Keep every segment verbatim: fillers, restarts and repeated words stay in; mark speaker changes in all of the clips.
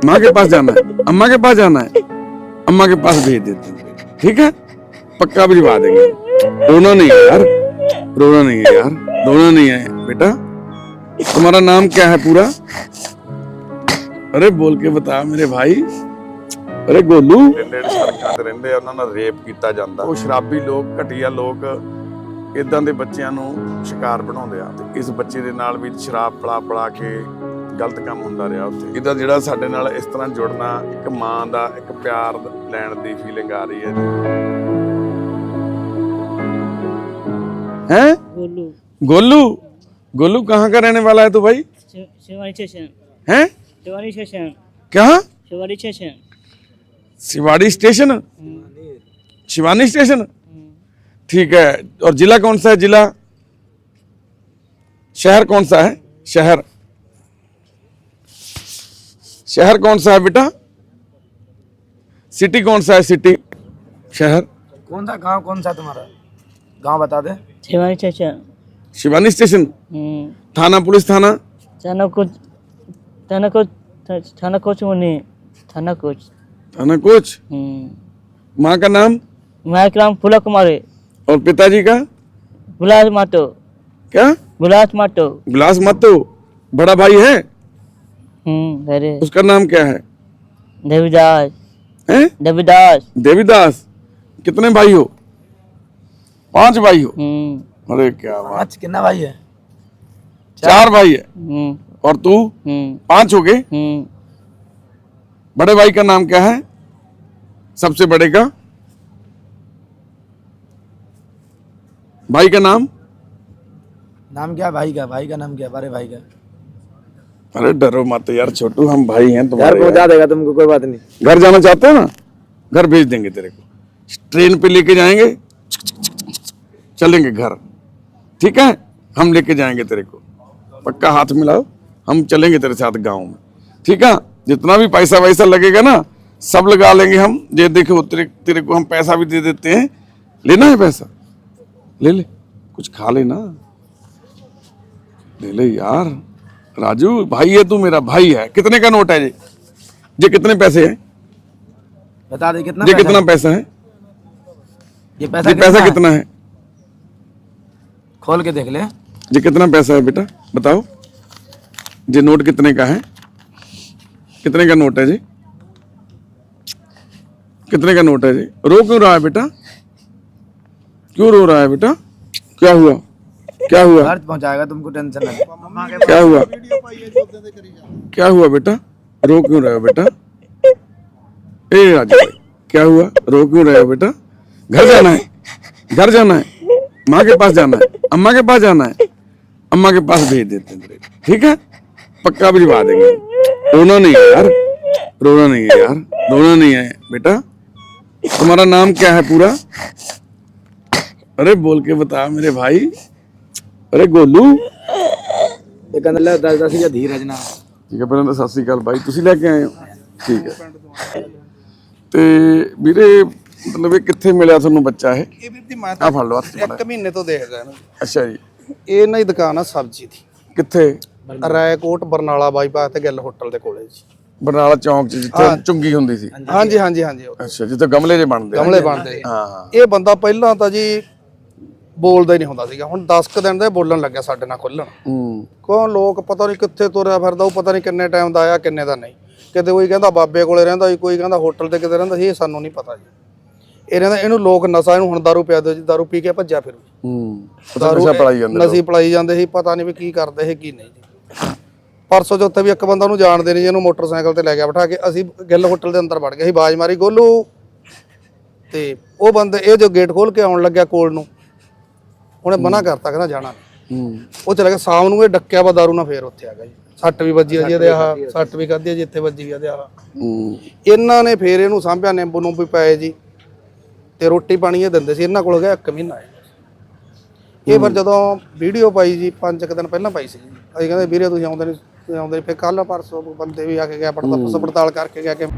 Speaker 1: माँ के पास जाना है, अम्मा के पास जाना है, अम्मा के पास भेज देते हैं, ठीक है? पक्का भिजवा देंगे। रोना नहीं है यार, रोना नहीं है यार, रोना नहीं है बेटा। तुम्हारा नाम क्या है पूरा? अरे बोल के बता मेरे भाई। अरे गोलू सड़ਕਾਂ ਤੇ ਰਹਿੰਦੇ ਆ, ਉਹਨਾਂ ਨਾਲ ਰੇਪ ਕੀਤਾ ਜਾਂਦਾ। ਉਹ ਸ਼ਰਾਬੀ ਲੋਕ, ਘਟੀਆ ਲੋਕ ਇਦਾਂ ਦੇ ਬੱਚਿਆਂ ਨੂੰ ਸ਼ਿਕਾਰ ਬਣਾਉਂਦੇ ਆ ਤੇ ਇਸ ਬੱਚੇ ਦੇ ਨਾਲ ਵੀ ਸ਼ਰਾਬ ਪਲਾ ਪਲਾ ਕੇ ਗਲਤ ਕੰਮ ਹੁੰਦਾ ਰਿਹਾ ਉੱਥੇ। ਇਹਦਾ ਜਿਹੜਾ ਸਾਡੇ ਨਾਲ ਇਸ ਤਰ੍ਹਾਂ ਜੁੜਨਾ, ਇੱਕ ਮਾਂ ਦਾ ਇੱਕ ਪਿਆਰ ਲੈਣ ਦੀ ਫੀਲਿੰਗ ਆ ਰਹੀ ਹੈ ਜੀ। हैं?
Speaker 2: गोलू
Speaker 1: गोलू गोलू कहाँ का रहने वाला है तू भाई?
Speaker 2: शिवानी स्टेशन
Speaker 1: हैं?
Speaker 2: शिवानी स्टेशन
Speaker 1: क्या?
Speaker 2: Shivani station
Speaker 1: Shivadi station, Shivani station, ठीक है। और जिला कौन सा है? जिला शहर कौन सा है? शहर शहर कौन सा है बेटा? सिटी कौन सा है? सिटी शहर
Speaker 3: कौन सा गांव, कौन सा तुम्हारा गांव बता दे।
Speaker 2: शिवानी स्टेशन
Speaker 1: शिवानी स्टेशन, थाना पुलिस थाना
Speaker 2: थाना कुछ थाना कुछ थाना कुछ नहीं थाना कुछ
Speaker 1: थाना कोच। माँ का नाम?
Speaker 2: माँ का नाम फूला कुमारी
Speaker 1: और पिताजी का?
Speaker 2: गुलास माटो।
Speaker 1: क्या?
Speaker 2: गुलास माटो।
Speaker 1: गुलास मतो। बड़ा भाई है?
Speaker 2: हम्म अरे
Speaker 1: उसका नाम क्या है?
Speaker 2: देवीदास।
Speaker 1: हैं?
Speaker 2: देवीदास।
Speaker 1: देवीदास। कितने भाई हो? पांच भाई हो?
Speaker 2: हम्म
Speaker 1: अरे क्या बात।
Speaker 3: पांच कितना भाई है?
Speaker 1: चार भाई है।
Speaker 2: हम्म
Speaker 1: और तू?
Speaker 2: हम्म
Speaker 1: पांच हो गए।
Speaker 2: हम्म
Speaker 1: बड़े भाई का नाम क्या है? सबसे बड़े का भाई का नाम?
Speaker 3: नाम क्या भाई का? भाई का नाम क्या? बड़े भाई का?
Speaker 1: अरे डरो मत यार छोटू, हम भाई हैं
Speaker 3: घर
Speaker 1: तुम्हारे।
Speaker 3: पहुंचा देगा तुमको, कोई बात नहीं।
Speaker 1: घर जाना चाहते हो ना? घर भेज देंगे तेरे को, ट्रेन पे लेके जाएंगे, चलेंगे घर, ठीक है? हम लेके जाएंगे तेरे को, पक्का हाथ मिलाओ, हम चलेंगे तेरे साथ गांव में, ठीक है? जितना भी पैसा वैसा लगेगा ना सब लगा लेंगे हम। ये देखो तेरे तेरे को हम पैसा भी दे देते हैं, लेना है पैसा? ले ले, कुछ खा लेना, ले ले यार। राजू भाई है तू, मेरा भाई है। कितने का नोट है ये? ये कितने पैसे है?
Speaker 3: बता दे कितना
Speaker 1: ये
Speaker 3: पैसा
Speaker 1: कितना
Speaker 3: है?
Speaker 1: पैसा है?
Speaker 3: ये पैसा
Speaker 1: ये पैसा
Speaker 3: है?
Speaker 1: कितना है?
Speaker 3: खोल के देख ले।
Speaker 1: ये कितना पैसा है बेटा बताओ? ये नोट कितने का है? कितने का नोट है जी? कितने का नोट है जी? रो क्यों रहा है बेटा? क्यों रो रहा है बेटा? क्या हुआ? क्या हुआ?
Speaker 3: घर पहुंचाएगा तुमको, टेंशन नहीं।
Speaker 1: क्या हुआ? क्या हुआ बेटा? रो क्यों रहे हो बेटा? ए राजू भाई, क्या हुआ? रो क्यों रहे हो बेटा? घर जाना है, घर जाना है, माँ के पास जाना है, अम्मा के पास जाना है, अम्मा के पास भेज देते हैं, ठीक है? पक्का भिजवा देंगे। रोना नहीं है यार, रोना नहीं है यार, रोना नहीं है बेटा। तुम्हारा नाम क्या है पूरा? अरे बोल के बता मेरे भाई। अरे गोलू
Speaker 3: ये कहने लगा दस दस या धीरज ना।
Speaker 1: ਠੀਕ ਹੈ, ਪਹਿਲਾਂ ਤਾਂ ਸਤਿ ਸ੍ਰੀ ਅਕਾਲ ਬਾਈ, ਤੁਸੀਂ ਲੈ ਕੇ ਆਏ ਹੋ? ਠੀਕ ਹੈ। ਤੇ ਵੀਰੇ ਮਤਲਬ ਇਹ ਕਿੱਥੇ ਮਿਲਿਆ ਤੁਹਾਨੂੰ ਬੱਚਾ ਇਹ?
Speaker 4: ਇਹ ਵੀਰ ਦੀ ਮੈਂ
Speaker 1: ਆ ਫੜ ਲਓ ਹੱਥ 'ਚ
Speaker 4: ਇੱਕ ਮਹੀਨੇ ਤੋਂ ਦੇਖਦਾ ਇਹਨੂੰ।
Speaker 1: ਅੱਛਾ ਜੀ।
Speaker 4: ਇਹ ਇਹਨਾਂ ਦੀ ਦੁਕਾਨ ਆ ਸਬਜ਼ੀ ਦੀ,
Speaker 1: ਕਿੱਥੇ?
Speaker 4: ਰਾਏਕੋਟ ਬਰਨਾਲਾ ਬਾਈਪਾਸ ਤੇ ਗਿੱਲ ਹੋਟਲ ਦੇ ਕੋਲੇ ਜੀ।
Speaker 1: ਬਰਨਾਲਾ ਚੌਂਕ 'ਚ ਜਿੱਥੇ ਚੁੰਗੀ ਹੁੰਦੀ ਸੀ?
Speaker 4: ਹਾਂਜੀ ਹਾਂਜੀ ਹਾਂਜੀ ਉਹ
Speaker 1: ਅੱਛਾ, ਜਿੱਥੇ ਗਮਲੇ ਜੇ ਬਣਦੇ ਆ।
Speaker 4: ਗਮਲੇ ਬਣਦੇ।
Speaker 1: ਹਾਂ ਹਾਂ।
Speaker 4: ਇਹ ਬੰਦਾ ਪਹਿਲਾਂ ਤਾਂ ਜੀ ਬੋਲਦਾ ਹੀ ਨਹੀਂ ਹੁੰਦਾ ਸੀਗਾ, ਹੁਣ ਦਸ ਕੁ ਦਿਨ ਦੇ ਬੋਲਣ ਲੱਗਿਆ ਸਾਡੇ ਨਾਲ ਖੁੱਲਣ।
Speaker 1: ਹੂੰ।
Speaker 4: ਕੌਣ ਲੋਕ ਪਤਾ ਨਹੀਂ ਕਿੱਥੇ ਤੁਰਿਆ ਫਿਰਦਾ, ਉਹ ਪਤਾ ਨਹੀਂ ਕਿੰਨੇ ਟਾਈਮ ਦਾ ਆਇਆ ਕਿੰਨੇ ਦਾ ਨਹੀਂ। ਕਿਤੇ ਕੋਈ ਕਹਿੰਦਾ ਬਾਬੇ ਕੋਲੇ ਰਹਿੰਦਾ ਸੀ, ਕੋਈ ਕਹਿੰਦਾ ਹੋਟਲ ਤੇ ਕਿਤੇ ਰਹਿੰਦਾ ਸੀ, ਇਹ ਸਾਨੂੰ ਨਹੀਂ ਪਤਾ ਜੀ। ਇਹ ਰਹਿੰਦਾ ਇਹਨੂੰ ਲੋਕ ਨਸ਼ਾ, ਇਹਨੂੰ ਹੁਣ ਦਾਰੂ ਪਿਆ ਦਿਓ ਜੀ, ਦਾਰੂ ਪੀ ਕੇ ਭੱਜਿਆ ਫਿਰ।
Speaker 1: ਹੂੰ। ਨਸ਼ਾ ਪਲਾਈ ਜਾਂਦੇ
Speaker 4: ਨਸ਼ੀ ਪਲਾਈ ਜਾਂਦੇ ਸੀ, ਪਤਾ ਨਹੀਂ ਵੀ ਕੀ ਕਰਦੇ ਸੀ ਕੀ ਨਹੀਂ ਜੀ। ਪਰਸੋਂ ਚੌਥੇ ਵੀ ਇੱਕ ਬੰਦਾ ਉਹਨੂੰ ਜਾਣਦੇ ਨਹੀਂ ਜੀ, ਇਹਨੂੰ ਮੋਟਰਸਾਈਕਲ ਤੇ ਲੈ ਗਿਆ ਬਿਠਾ ਕੇ। ਅਸੀਂ ਗਿੱਲ ਹੋਟਲ ਦੇ ਅੰਦਰ ਵੜ ਗਏ ਸੀ, ਬਾਜ਼ ਮਾਰੀ ਗੋਲੂ, ਤੇ ਉਹ ਬੰਦੇ ਇਹ ਜੋ ਗੇਟ ਖੋਲ ਕੇ ਆਉਣ ਲੱਗਿਆ ਕੋਲ ਨੂੰ, ਉਹਨੇ ਮਨਾ ਕਰਤਾ, ਕਹਿੰਦਾ ਜਾਣਾ ਨਹੀਂ।
Speaker 1: ਹੂੰ।
Speaker 4: ਉਹ ਚਲਾ ਗਿਆ। ਸ਼ਾਮ ਨੂੰ ਇਹ ਡੱਕਿਆ ਵਾ ਦਾਰੂ ਨਾਲ, ਫੇਰ ਉੱਥੇ ਆ ਗਿਆ ਜੀ। ਸੱਟ ਵੀ ਵੱਜੀ ਆ ਜੀ ਇਹਦੇ, ਆਹ ਸੱਟ ਵੀ ਖਾਧੀ ਆ ਜੀ, ਇੱਥੇ ਵੱਜੀ ਆ ਇਹਦੇ ਆਹ।
Speaker 1: ਹੂੰ।
Speaker 4: ਇਹਨਾਂ ਨੇ ਫੇਰ ਇਹਨੂੰ ਸਾਂਭਿਆ, ਨਿੰਬੂ ਨੂੰ ਵੀ ਪਏ ਜੀ, ਤੇ ਰੋਟੀ ਪਾਣੀ ਇਹ ਦਿੰਦੇ ਸੀ। ਇਹਨਾਂ ਕੋਲ ਗਿਆ ਇੱਕ ਮਹੀਨਾ ਇਹ। ਫਿਰ ਜਦੋਂ ਵੀਡੀਓ ਪਾਈ ਜੀ, ਪੰਜ ਕੁ ਦਿਨ ਪਹਿਲਾਂ ਪਾਈ ਸੀ ਜੀ, ਅਸੀਂ ਕਹਿੰਦੇ ਵੀਰੇ ਤੁਸੀਂ ਆਉਂਦੇ ਨਹੀਂ, ਤੁਸੀਂ ਆਉਂਦੇ ਨਹੀਂ। ਫਿਰ ਕੱਲ ਪਰਸੋਂ ਬੰਦੇ ਵੀ ਆ ਕੇ ਗਿਆ, ਪੜਤਾਲ ਪੜਤਾਲ ਕਰਕੇ ਗਿਆ ਕਿ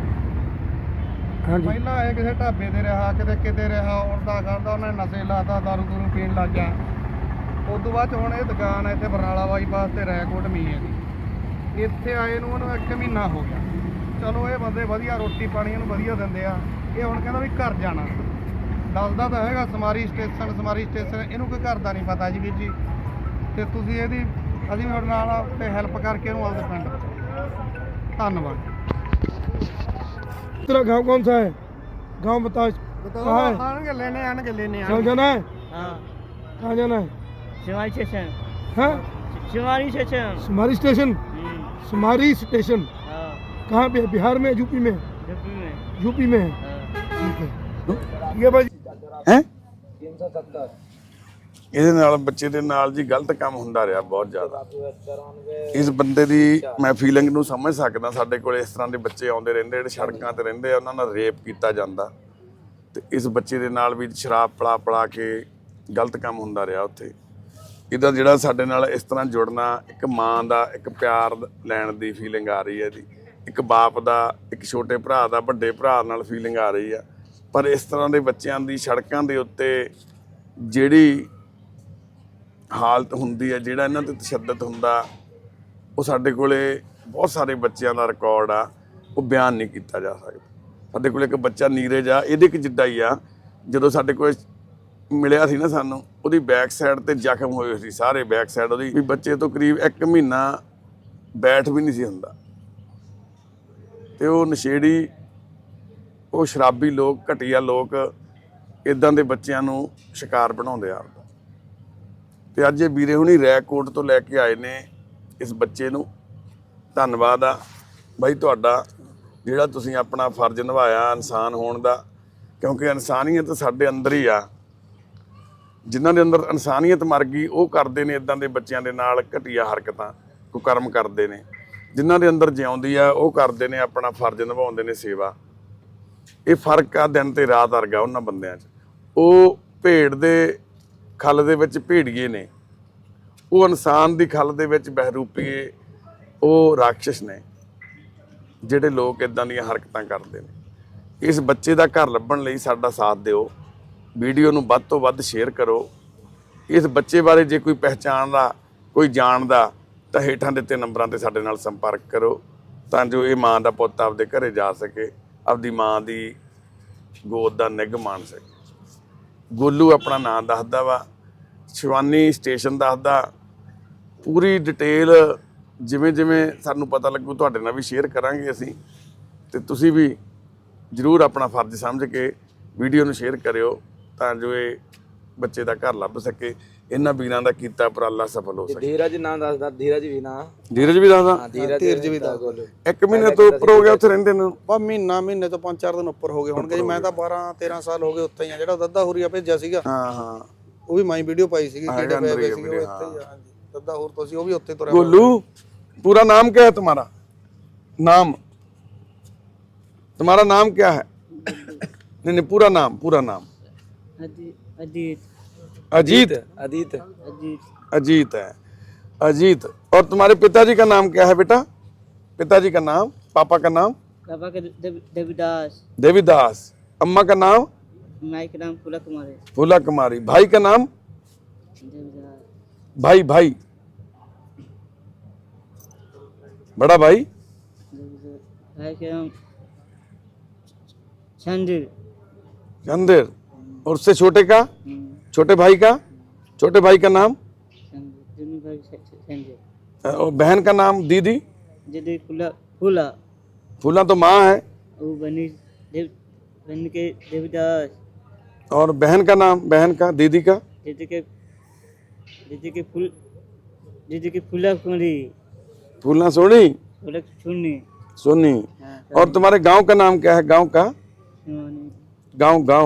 Speaker 4: ਪਹਿਲਾਂ ਇਹ ਕਿਸੇ ਢਾਬੇ ਤੇ ਰਿਹਾ, ਕਿਤੇ ਕਿਤੇ ਰਿਹਾ, ਉੜਦਾ ਕਰਦਾ, ਉਹਨੇ ਨਸ਼ੇ ਲਾਤਾ, ਦਾਰੂ ਦੂਰੂ ਪੀਣ ਲੱਗ ਗਿਆ। ਉਸ ਤੋਂ ਬਾਅਦ ਹੁਣ ਇਹ ਦੁਕਾਨ ਹੈ ਇੱਥੇ ਬਰਨਾਲਾ ਬਾਈਪਾਸ ਤੇ ਰੈਕੋਟ ਮੀ ਹੈ ਜੀ। ਇੱਥੇ ਆਏ ਨੂੰ ਉਹਨੂੰ ਇੱਕ ਮਹੀਨਾ ਹੋ ਗਿਆ। ਚਲੋ ਇਹ ਬੰਦੇ ਵਧੀਆ ਰੋਟੀ ਪਾਣੀ ਇਹਨੂੰ ਵਧੀਆ ਦਿੰਦੇ ਆ। ਇਹ ਹੁਣ ਕਹਿੰਦਾ ਵੀ ਘਰ ਜਾਣਾ, ਦੱਸਦਾ ਤਾਂ ਹੈਗਾ ਸਮਾਰੀ ਸਟੇਸ਼ਨ ਸਮਾਰੀ ਸਟੇਸ਼ਨ, ਇਹਨੂੰ ਕੋਈ ਘਰ ਦਾ ਨਹੀਂ ਪਤਾ ਜੀ ਵੀਰ ਜੀ। ਤੇ ਤੁਸੀਂ ਇਹਦੀ ਅਸੀਂ ਵੀ ਤੁਹਾਡੇ ਨਾਲ ਤੇ ਹੈਲਪ ਕਰਕੇ ਇਹਨੂੰ ਆਪਦੇ ਪਿੰਡ ਪਹੁੰਚਾਓ। ਧੰਨਵਾਦ।
Speaker 3: तेरा गांव कौन सा है? गांव बताओ। कहाँ है?
Speaker 4: ਆਣਗੇ ਲੈਣੇ ਆਣਗੇ ਲੈਣੇ
Speaker 3: कहाँ जाना है?
Speaker 2: हाँ
Speaker 3: कहाँ जाना है?
Speaker 2: शिवारी स्टेशन
Speaker 3: हाँ
Speaker 2: शिवारी स्टेशन
Speaker 3: सुमारी स्टेशन।
Speaker 2: हम्म,
Speaker 3: सुमारी स्टेशन
Speaker 2: हाँ
Speaker 3: कहाँ पे है? बिहार में, यूपी में?
Speaker 2: यूपी में
Speaker 3: यूपी में है।
Speaker 2: हाँ।
Speaker 3: ठीक है ये भाई
Speaker 1: ਹੈ ਇਹਦੇ ਨਾਲ ਬੱਚੇ ਦੇ ਨਾਲ ਜੀ ਗਲਤ ਕੰਮ ਹੁੰਦਾ ਰਿਹਾ ਬਹੁਤ ਜ਼ਿਆਦਾ। ਇਸ ਬੰਦੇ ਦੀ ਮੈਂ ਫੀਲਿੰਗ ਨੂੰ ਸਮਝ ਸਕਦਾ। ਸਾਡੇ ਕੋਲ ਇਸ ਤਰ੍ਹਾਂ ਦੇ ਬੱਚੇ ਆਉਂਦੇ ਰਹਿੰਦੇ ਜਿਹੜੇ ਸੜਕਾਂ ਤੇ ਰਹਿੰਦੇ ਆ, ਉਹਨਾਂ ਨਾਲ ਰੇਪ ਕੀਤਾ ਜਾਂਦਾ ਤੇ ਇਸ ਬੱਚੇ ਦੇ ਨਾਲ ਵੀ ਸ਼ਰਾਬ ਪਲਾ ਪਲਾ ਕੇ ਗਲਤ ਕੰਮ ਹੁੰਦਾ ਰਿਹਾ ਉੱਥੇ। ਇਹਦਾ ਜਿਹੜਾ ਸਾਡੇ ਨਾਲ ਇਸ ਤਰ੍ਹਾਂ ਜੁੜਨਾ, ਇੱਕ ਮਾਂ ਦਾ ਇੱਕ ਪਿਆਰ ਲੈਣ ਦੀ ਫੀਲਿੰਗ ਆ ਰਹੀ ਹੈ ਇਹਦੀ, ਇੱਕ ਬਾਪ ਦਾ ਇੱਕ ਛੋਟੇ ਭਰਾ ਦਾ ਵੱਡੇ ਭਰਾ ਨਾਲ ਫੀਲਿੰਗ ਆ ਰਹੀ ਆ। ਪਰ ਇਸ ਤਰ੍ਹਾਂ ਦੇ ਬੱਚਿਆਂ ਦੀ ਸੜਕਾਂ ਦੇ ਉੱਤੇ ਜਿਹੜੀ ਹਾਲਤ ਹੁੰਦੀ ਹੈ, ਜਿਹੜਾ ਇਹਨਾਂ ਤੇ ਤਸ਼ੱਦਦ ਹੁੰਦਾ, ਉਹ ਸਾਡੇ ਕੋਲੇ ਬਹੁਤ ਸਾਰੇ ਬੱਚਿਆਂ ਦਾ ਰਿਕਾਰਡ ਆ, ਉਹ ਬਿਆਨ ਨਹੀਂ ਕੀਤਾ ਜਾ ਸਕਦਾ। ਸਾਡੇ ਕੋਲ ਇੱਕ ਬੱਚਾ ਨੀਰਜ ਆ, ਇਹਦੇ ਕਿ ਜਿੱਡਾ ਹੀ ਆ। ਜਦੋਂ ਸਾਡੇ ਕੋਲ ਮਿਲਿਆ ਸੀ ਨਾ ਸਾਨੂੰ, ਉਹਦੀ ਬੈਕ ਸਾਈਡ ਤੇ ਜ਼ਖਮ ਹੋਏ ਸੀ ਸਾਰੇ, ਬੈਕ ਸਾਈਡ ਉਹਦੀ ਵੀ ਬੱਚੇ ਤੋਂ ਕਰੀਬ ਇੱਕ ਮਹੀਨਾ ਬੈਠ ਵੀ ਨਹੀਂ ਸੀ ਹੁੰਦਾ। ਤੇ ਉਹ ਨਸ਼ੇੜੀ, ਉਹ ਸ਼ਰਾਬੀ ਲੋਕ, ਘਟੀਆ ਲੋਕ ਇਦਾਂ ਦੇ ਬੱਚਿਆਂ ਨੂੰ ਸ਼ਿਕਾਰ ਬਣਾਉਂਦੇ ਆ। ਤੇ ਅੱਜ ਇਹ ਵੀਰੇ ਹੁਣੀ ਰੈਕੋਟ ਤੋਂ ਲੈ ਕੇ ਆਏ ਨੇ ਇਸ ਬੱਚੇ ਨੂੰ। ਧੰਨਵਾਦ ਆ ਬਾਈ ਤੁਹਾਡਾ, ਜਿਹੜਾ ਤੁਸੀਂ ਆਪਣਾ ਫਰਜ਼ ਨਿਭਾਇਆ ਇਨਸਾਨ ਹੋਣ ਦਾ, ਕਿਉਂਕਿ ਇਨਸਾਨੀਅਤ ਸਾਡੇ ਅੰਦਰ ਹੀ ਆ। ਜਿਨ੍ਹਾਂ ਦੇ ਅੰਦਰ ਇਨਸਾਨੀਅਤ ਮਰ ਗਈ, ਉਹ ਕਰਦੇ ਨੇ ਇਦਾਂ ਦੇ ਬੱਚਿਆਂ ਦੇ ਨਾਲ ਘਟੀਆ ਹਰਕਤਾਂ, ਕੁਕਰਮ ਕਰਦੇ ਨੇ। ਜਿਨ੍ਹਾਂ ਦੇ ਅੰਦਰ ਜਿਉਂਦੀ ਆ, ਉਹ ਕਰਦੇ ਨੇ ਆਪਣਾ ਫਰਜ਼ ਨਿਭਾਉਂਦੇ ਨੇ, ਸੇਵਾ। ਇਹ ਫਰਕ ਆ ਦਿਨ ਤੇ ਰਾਤ ਵਰਗਾ ਉਹਨਾਂ ਬੰਦਿਆਂ 'ਚ। ਉਹ ਭੇਡ ਦੇ ਖੱਲ ਦੇ ਵਿੱਚ ਭੇੜੀਏ ਨੇ, ਉਹ ਇਨਸਾਨ ਦੀ ਖੱਲ ਦੇ ਵਿੱਚ ਬਹਿਰੂਪੀਏ, ਉਹ ਰਾਖਸ਼ ਨੇ ਜਿਹੜੇ ਲੋਕ ਇਦਾਂ ਦੀਆਂ ਹਰਕਤਾਂ ਕਰਦੇ ਨੇ। ਇਸ ਬੱਚੇ ਦਾ ਘਰ ਲੱਭਣ ਲਈ ਸਾਡਾ ਸਾਥ ਦਿਓ, ਵੀਡੀਓ ਨੂੰ ਵੱਧ ਤੋਂ ਵੱਧ ਸ਼ੇਅਰ ਕਰੋ। ਇਸ ਬੱਚੇ ਬਾਰੇ ਜੇ ਕੋਈ ਪਹਿਚਾਣਦਾ, ਕੋਈ ਜਾਣਦਾ, ਤਾਂ ਹੇਠਾਂ ਦਿੱਤੇ ਨੰਬਰਾਂ ਤੇ ਸਾਡੇ ਨਾਲ ਸੰਪਰਕ ਕਰੋ, ਤਾਂ ਜੋ ਇਹ ਮਾਂ ਦਾ ਪੁੱਤ ਆਪਦੇ ਘਰੇ ਜਾ ਸਕੇ, ਆਪਦੀ ਮਾਂ ਦੀ ਗੋਦ ਦਾ ਨਿੱਘ ਮਾਣ ਸਕੇ। ਗੋਲੂ ਆਪਣਾ ਨਾਂ ਦੱਸਦਾ ਵਾ, ਸ਼ਿਵਾਨੀ ਸਟੇਸ਼ਨ ਦੱਸਦਾ। ਪੂਰੀ ਡਿਟੇਲ ਜਿਵੇਂ ਜਿਵੇਂ ਸਾਨੂੰ ਪਤਾ ਲੱਗੂ ਤੁਹਾਡੇ ਨਾਲ ਵੀ ਸ਼ੇਅਰ ਕਰਾਂਗੇ ਅਸੀਂ, ਤੇ ਤੁਸੀਂ ਵੀ ਜ਼ਰੂਰ ਆਪਣਾ ਫਰਜ਼ ਸਮਝ ਕੇ ਵੀਡੀਓ ਨੂੰ ਸ਼ੇਅਰ ਕਰਿਓ, ਤਾਂ ਜੋ ਇਹ ਬੱਚੇ ਦਾ ਘਰ ਲੱਭ ਸਕੇ। ਇਹਨਾਂ ਵੀਰਾਂ ਦਾ ਕੀਤਾ ਉਪਰਾਲਾ ਸਫਲ ਹੋ ਸਕੇ।
Speaker 3: धीरज नाम ਦੱਸਦਾ, धीरज ਵੀ ਨਾ।
Speaker 1: ਧੀਰਜ ਵੀ ਦੱਸਦਾ,
Speaker 4: ਧੀਰਜ ਵੀ ਦਾ
Speaker 1: ਇੱਕ ਮਹੀਨੇ ਤੋਂ ਉੱਪਰ ਹੋ ਗਿਆ ਉੱਥੇ ਰਹਿੰਦੇ ਨੂੰ।
Speaker 4: ਬਾ ਮਹੀਨਾ ਮਹੀਨੇ ਤੋਂ ਪੰਜ ਚਾਰ ਦਿਨ ਉੱਪਰ ਹੋ ਗਏ ਹੋਣਗੇ ਜੀ। ਮੈਂ ਤਾਂ ਬਾਰਾਂ ਤੇਰਾਂ ਸਾਲ ਹੋ ਗਏ ਉੱਥੇ ਹੀ ਆ। ਜਿਹੜਾ ਦੱਦਾ ਹੋਰੀਆ ਭੇਜਿਆ ਸੀਗਾ,
Speaker 1: ਹਾਂ ਹਾਂ,
Speaker 4: ਉਹ ਵੀ ਮਾਈ ਵੀਡੀਓ ਪਾਈ ਸੀਗੀ, ਕਿਹੜੇ
Speaker 1: अंदर
Speaker 4: ਪਏ
Speaker 1: ही है
Speaker 4: ਸੀਗੇ, ਉਹ
Speaker 1: वीडियो,
Speaker 4: ਇੱਥੇ ਹੀ ਆ। ਹਾਂਜੀ, ਦੱਦਾ ਹੋਰ ਤੁਸੀਂ ਉਹ ਵੀ ਉੱਥੇ ਤੁਰਿਆ।
Speaker 1: गोलू पूरा नाम क्या है तुम्हारा? नाम तुम्हारा नाम क्या है? नहीं नहीं, पूरा नाम, पूरा नाम।
Speaker 2: अजीत अजीत
Speaker 1: अजीत
Speaker 3: अदित
Speaker 2: अजीत
Speaker 1: अजीत है, अजीत। और तुम्हारे पिताजी का नाम क्या है बेटा? पिताजी का नाम, पापा का नाम?
Speaker 2: पापा का देव- देवीदास,
Speaker 1: देवीदास। अम्मा का नाम?
Speaker 2: माई का नाम फूला कुमार है,
Speaker 1: फूला कुमारी। भाई का नाम?
Speaker 2: देवीदास,
Speaker 1: भाई भाई बड़ा भाई?
Speaker 2: देवीदास, भाई का नाम चंदिर,
Speaker 1: चंदेर। और उससे छोटे का?
Speaker 2: हम्म,
Speaker 1: छोटे भाई का? छोटे भाई का नाम?
Speaker 2: चंदिर, दोनों भाई चंदिर।
Speaker 1: और बहन का नाम? दीदी?
Speaker 2: दीदी फूला फूला,
Speaker 1: फूला तो माँ है।
Speaker 2: वो बनी देव बन के देवीदास।
Speaker 1: और बहन का नाम? बहन का, दीदी का?
Speaker 2: दीदी के दीदी के फूल दीदी के फूला कुमारी,
Speaker 1: फूलना सोनी?
Speaker 2: फूला चुन्नी।
Speaker 1: सोनी।
Speaker 2: हाँ,
Speaker 1: और तुम्हारे गांव का नाम क्या है? गांव का?
Speaker 2: शिवानी।
Speaker 1: गांव गांव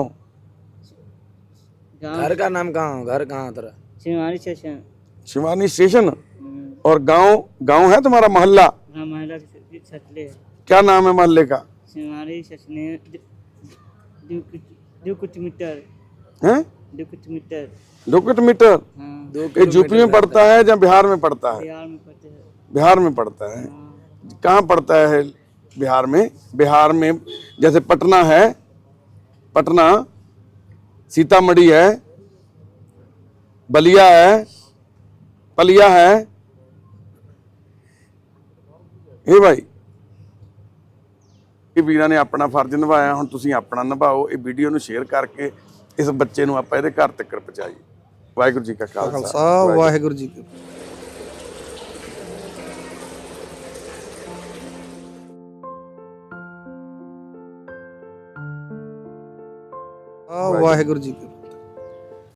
Speaker 2: गाँव
Speaker 3: घर का नाम कहाँ? घर कहाँ तेरा?
Speaker 2: शिवानी स्टेशन।
Speaker 1: शिवानी स्टेशन।
Speaker 2: हम्म,
Speaker 1: और गांव गांव है तुम्हारा? मोहल्ला
Speaker 2: हाँ महिला के सचले है।
Speaker 1: क्या नाम है मोहल्ले का?
Speaker 2: शिवानी सचने दो कुछ दो कुछ मीटर
Speaker 1: हैं?
Speaker 2: दो कुछ मीटर।
Speaker 1: दो किलोमीटर।
Speaker 2: हाँ,
Speaker 1: ये यूपी में पड़ता है या बिहार में पड़ता है?
Speaker 2: बिहार में पड़ते हैं।
Speaker 1: बिहार में पड़ता है।
Speaker 2: हाँ,
Speaker 1: कहाँ पड़ता है बिहार में? बिहार में जैसे पटना है, पटना, सीतामढ़ी है, बलिया है, पलिया है। ये भाई ਇਹ ਵੀਰਾਂ ਨੇ ਆਪਣਾ ਫਰਜ਼ ਨਿਭਾਇਆ, ਹੁਣ ਤੁਸੀਂ ਆਪਣਾ ਨਿਭਾਓ। ਇਹ ਵੀਡੀਓ ਨੂੰ ਸ਼ੇਅਰ ਕਰਕੇ ਇਸ ਬੱਚੇ ਨੂੰ ਆਪਾਂ ਇਹਦੇ ਘਰ ਤੱਕ ਪਹੁੰਚਾਈਏ। ਵਾਹਿਗੁਰੂ ਜੀ ਕਾ ਖਾਲਸਾ
Speaker 4: ਖਾਲਸਾ ਵਾਹਿਗੁਰੂ ਜੀ ਕੀ ਫਤਿਹ। ਵਾਹਿਗੁਰੂ ਜੀ ਕੀ